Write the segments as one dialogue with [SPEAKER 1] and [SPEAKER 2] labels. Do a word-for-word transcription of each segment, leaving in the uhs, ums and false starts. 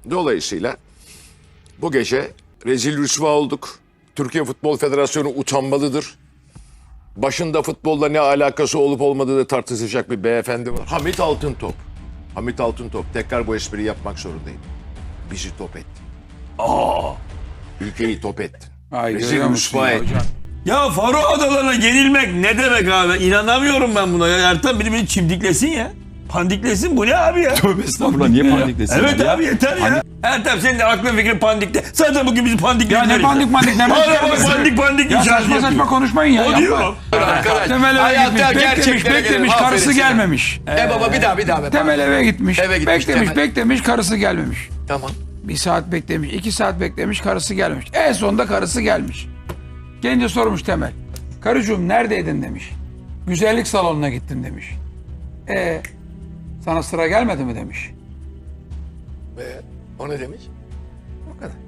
[SPEAKER 1] Dolayısıyla bu gece rezil rüsva olduk. Türkiye Futbol Federasyonu utanmalıdır. Başında futbolla ne alakası olup olmadığı da tartışacak bir beyefendi var. Hamit Altıntop. Hamit Altıntop. Tekrar bu espriyi yapmak zorundayım. Bizi top ettin. Aa! Ülkeyi top ettin.
[SPEAKER 2] Ay,
[SPEAKER 1] Rezil rüsva ettin.
[SPEAKER 3] Ya Faro Adaları'na yenilmek ne demek abi? İnanamıyorum ben buna. Ya Ertan biri beni çimdiklesin ya. Pandiklesin, bu ne abi ya?
[SPEAKER 4] Tövbe estağfurullah, niye pandiklesin?
[SPEAKER 3] Evet
[SPEAKER 4] ya?
[SPEAKER 3] abi yeter ya. Ertan senin de aklın fikrin pandikte. Zaten bugün bizi pandiklediler.
[SPEAKER 2] Ya ne
[SPEAKER 3] işte.
[SPEAKER 2] pandik pandik ne
[SPEAKER 3] Hala bak pandik pandik
[SPEAKER 2] Ya
[SPEAKER 3] inşaat
[SPEAKER 2] saçma saçma
[SPEAKER 3] yapıyor.
[SPEAKER 2] konuşmayın ya.
[SPEAKER 3] O
[SPEAKER 2] yapma.
[SPEAKER 3] diyor.
[SPEAKER 5] Arkadaş,
[SPEAKER 2] Temel eve
[SPEAKER 5] hayatta
[SPEAKER 2] gitmiş, beklemiş,
[SPEAKER 5] gerçeklere
[SPEAKER 2] beklemiş,
[SPEAKER 5] gelelim.
[SPEAKER 2] karısı
[SPEAKER 5] Aferin sana.
[SPEAKER 2] gelmemiş.
[SPEAKER 5] E baba bir daha bir daha. Be.
[SPEAKER 2] Temel eve gitmiş,
[SPEAKER 5] Eve gitmiş
[SPEAKER 2] beklemiş,
[SPEAKER 5] Temel.
[SPEAKER 2] beklemiş, karısı gelmemiş.
[SPEAKER 5] Tamam.
[SPEAKER 2] Bir saat beklemiş, iki saat beklemiş, karısı gelmemiş. En sonunda karısı gelmiş. Gelince sormuş Temel. Karıcığım neredeydin demiş. Güzellik salonuna gittim demiş. E sana sıra gelmedi mi demiş.
[SPEAKER 5] Ve o ne demiş? O kadar.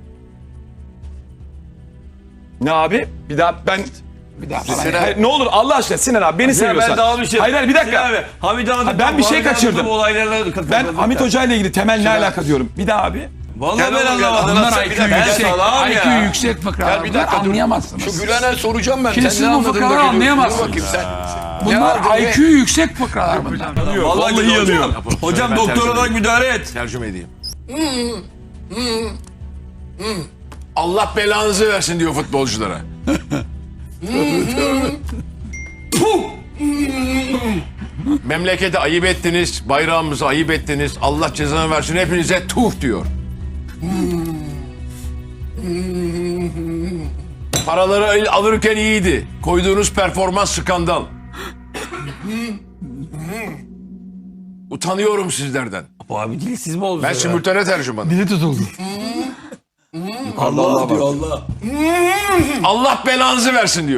[SPEAKER 4] Ne abi? Bir daha ben...
[SPEAKER 2] Bir daha falan.
[SPEAKER 5] Sinan-
[SPEAKER 4] Hayır, ne olur Allah aşkına Sinan abi beni
[SPEAKER 3] Ya
[SPEAKER 4] seviyorsan.
[SPEAKER 3] ben daha bir şey.
[SPEAKER 4] Hayır hayır bir dakika.
[SPEAKER 3] Sinan abi, Hamit Hanım.
[SPEAKER 4] Ha, ben bir şey kaçırdım.
[SPEAKER 3] Olaylarla
[SPEAKER 4] Ben Hamit Hoca ile ilgili temel ne alaka diyorum. Bir daha abi.
[SPEAKER 3] Vallahi
[SPEAKER 5] Gel
[SPEAKER 3] ben
[SPEAKER 5] oğlum, gel.
[SPEAKER 3] anlamadım.
[SPEAKER 2] Bunlar
[SPEAKER 5] Sen
[SPEAKER 2] I
[SPEAKER 5] bir
[SPEAKER 2] Q
[SPEAKER 5] dakika,
[SPEAKER 2] yüksek,
[SPEAKER 3] gel salam
[SPEAKER 2] I Q
[SPEAKER 3] ya.
[SPEAKER 2] yüksek fıkralar.
[SPEAKER 5] Gel bir dakika dur.
[SPEAKER 2] Anlayamazsınız.
[SPEAKER 5] Şu Gülen'e soracağım ben.
[SPEAKER 2] Şimdi
[SPEAKER 5] Sen
[SPEAKER 2] siz
[SPEAKER 5] ne
[SPEAKER 2] bu
[SPEAKER 5] anladın
[SPEAKER 2] fıkraları
[SPEAKER 5] da geliyorsun?
[SPEAKER 2] anlayamazsınız.
[SPEAKER 5] Dur bakayım sen.
[SPEAKER 2] Bunlar
[SPEAKER 5] aldın
[SPEAKER 2] I
[SPEAKER 5] be?
[SPEAKER 2] Q yüksek fıkralar bunlar.
[SPEAKER 3] Vallahi
[SPEAKER 4] Vallahi
[SPEAKER 3] yanıyor.
[SPEAKER 4] yanıyor.
[SPEAKER 3] Hocam
[SPEAKER 1] Ben
[SPEAKER 3] doktor
[SPEAKER 1] tercüme
[SPEAKER 3] olarak
[SPEAKER 1] edeyim.
[SPEAKER 3] müdahale et.
[SPEAKER 1] Tercüme edeyim. Allah belanızı versin diyor futbolculara. Memlekete ayıp ettiniz, bayrağımızı ayıp ettiniz. Allah cezanı versin hepinize tuh diyor. Paraları alırken iyiydi. Koyduğunuz performans skandal. Utanıyorum sizlerden.
[SPEAKER 3] Bu abi dilsiz mi oldu?
[SPEAKER 1] Ben simultane tercümanım.
[SPEAKER 2] Dili tutuldu.
[SPEAKER 3] Allah diyor Allah.
[SPEAKER 1] Allah belanızı versin diyor.